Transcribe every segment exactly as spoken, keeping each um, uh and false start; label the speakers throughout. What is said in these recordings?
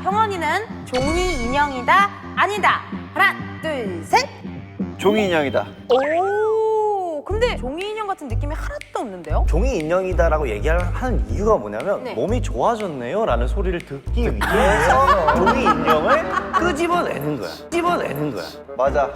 Speaker 1: 형원이는 종이 인형이다 아니다. 하나 둘 셋.
Speaker 2: 종이 인형이다.
Speaker 1: 오, 근데 종이 인형 같은 느낌이 하나도 없는데요?
Speaker 3: 종이 인형이다라고 얘기하는 이유가 뭐냐면
Speaker 1: 네.
Speaker 3: 몸이 좋아졌네요 라는 소리를 듣기 위해서 종이 인형을 끄집어내는 거야. 끄집어내는 거야.
Speaker 2: 맞아.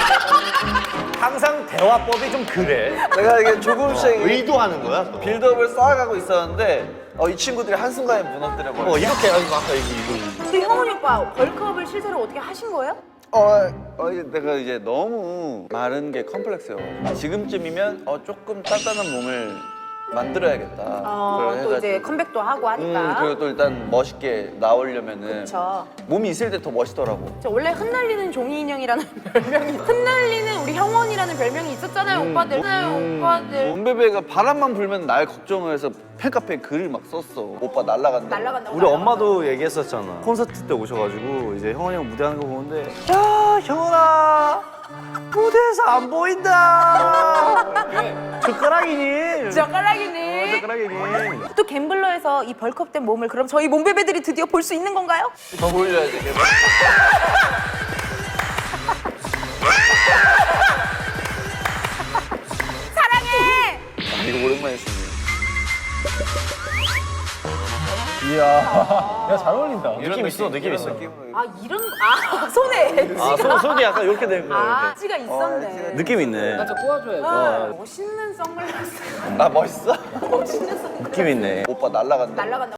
Speaker 3: 항상 대화법이 좀 그래.
Speaker 2: 내가 이게 조금씩
Speaker 3: 의도하는 거야. 또.
Speaker 2: 빌드업을 쌓아가고 있었는데 어, 이 친구들이 한순간에 무너뜨려버려.
Speaker 3: 어, 이렇게 해가지고 아까 얘기
Speaker 1: 근데 형원이 오빠 벌크업을 실제로 어떻게 하신 거예요?
Speaker 2: 어, 어, 이제 내가 이제 너무 마른 게 컴플렉스요. 지금쯤이면 어, 조금 단단한 몸을 만들어야겠다.
Speaker 1: 어,
Speaker 2: 그걸
Speaker 1: 또 이제
Speaker 2: 해가지고.
Speaker 1: 컴백도 하고
Speaker 2: 음,
Speaker 1: 하니까.
Speaker 2: 그리고 또 일단 멋있게 나오려면은
Speaker 1: 그쵸.
Speaker 2: 몸이 있을 때 더 멋있더라고.
Speaker 1: 저 원래 흩날리는 종이 인형이라는 별명이 흩날리는 우리 형원이라는 별명이 있었잖아요, 오빠들. 음, 오빠들.
Speaker 2: 몸베베가 바람만 불면 날 걱정을 해서 팬카페에 글을 막 썼어. 오빠 날라간다.
Speaker 1: 날라간다고.
Speaker 3: 우리 엄마도 얘기했었잖아. 콘서트 때 오셔가지고 이제 형원이 형 무대하는 거 보는데 야 형원아 무대에서 안 보인다. 젓가락이니?
Speaker 1: 젓가락이니.
Speaker 3: 젓가락이니?
Speaker 1: 또 갬블러에서 이 벌크업된 몸을 그럼 저희 몸베베들이 드디어 볼 수 있는 건가요?
Speaker 2: 더 보여줘야 돼. 걔가.
Speaker 1: 사랑해.
Speaker 2: 아, 이거 오랜만에 쓰네.
Speaker 4: 이야, 야, 잘 어울린다.
Speaker 3: 느낌 있어, 느낌 있어.
Speaker 1: 아 이런 아 손에 엣지가
Speaker 3: 아, 손, 손이 약간 이렇게 되는 거야.
Speaker 1: 아,
Speaker 3: 이렇게.
Speaker 1: 엣지가 있었네.
Speaker 3: 느낌 있네.
Speaker 4: 살짝 꼬아줘야지.
Speaker 1: 아, 멋있는 선글라스.
Speaker 2: 나 멋있어?
Speaker 1: 멋있는 선글라스.
Speaker 3: 느낌 있네.
Speaker 2: 오빠 날라간다.
Speaker 1: 날라간다.